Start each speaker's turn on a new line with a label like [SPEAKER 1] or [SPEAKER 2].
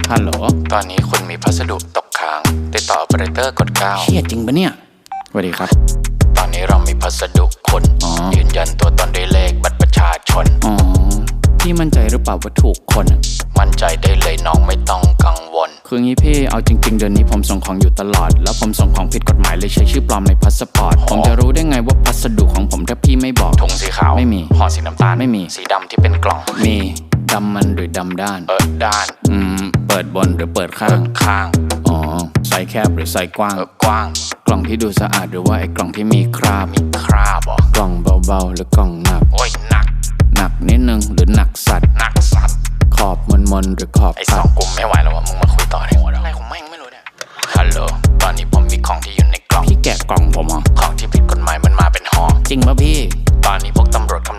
[SPEAKER 1] ฮัลโหล
[SPEAKER 2] ตอนนี้คุณมีพัสดุตกค้างติดต่อ operator กด9
[SPEAKER 1] เชี่ยจริงปะเนี่ยสวัสดีครับ
[SPEAKER 2] ตอนนี้เรามีพัสดุคุณยืนยันตัวตนด้วยเลขบัตรประชาชน
[SPEAKER 1] พี่มั่นใจหรือเปล่าว่าถูกคน
[SPEAKER 2] มั่นใจได้เลยน้องไม่ต้องกังวล
[SPEAKER 1] คืองี้พี่เอาจริงๆเดือนนี้ผมส่งของอยู่ตลอดแล้วผมส่งของผิดกฎหมายเลยใช้ชื่อปลอมในพาสปอร์ตผมจะรู้ได้ไงว่าพัสดุของผมถ้าพี่ไม่บอก
[SPEAKER 2] ถุงสีขาว
[SPEAKER 1] ไม่มี
[SPEAKER 2] ห่อสีน้ำตาล
[SPEAKER 1] ไม่มี
[SPEAKER 2] สีดำที่เป็นกล่อง
[SPEAKER 1] มีดำมันหรือดำด้าน
[SPEAKER 2] ด้าน
[SPEAKER 1] เปิดบนหรือเปิดข้างอ๋อไซส์แคบหรือไซส์กว้าง
[SPEAKER 2] กว้าง
[SPEAKER 1] กล่องที่ดูสะอาดหรือว่าไอ้กล่องที่มีคราบ
[SPEAKER 2] หรอก
[SPEAKER 1] ล่องเบาๆหรือกล่องหนัก
[SPEAKER 2] โอ้ยหนัก
[SPEAKER 1] นิดนึงหรือหนักสัตว์ขอบมนหรือขอบ
[SPEAKER 2] ไอ้2กลุ่มไม่ไหวแล้วว่ะมึงมาคุยต่อในหัวอะไรของแม่งไม่รู้เนี่ยฮัลโหลตอนนี้ผมมีของที่อยู่ในกล่อง
[SPEAKER 1] พี่แกะกล่องผมเหรอ
[SPEAKER 2] ของที่ผิดกฎหมายมันมาเป็นห่อ
[SPEAKER 1] จริงป่ะพี่
[SPEAKER 2] ตอนนี้พวกตำรวจกำ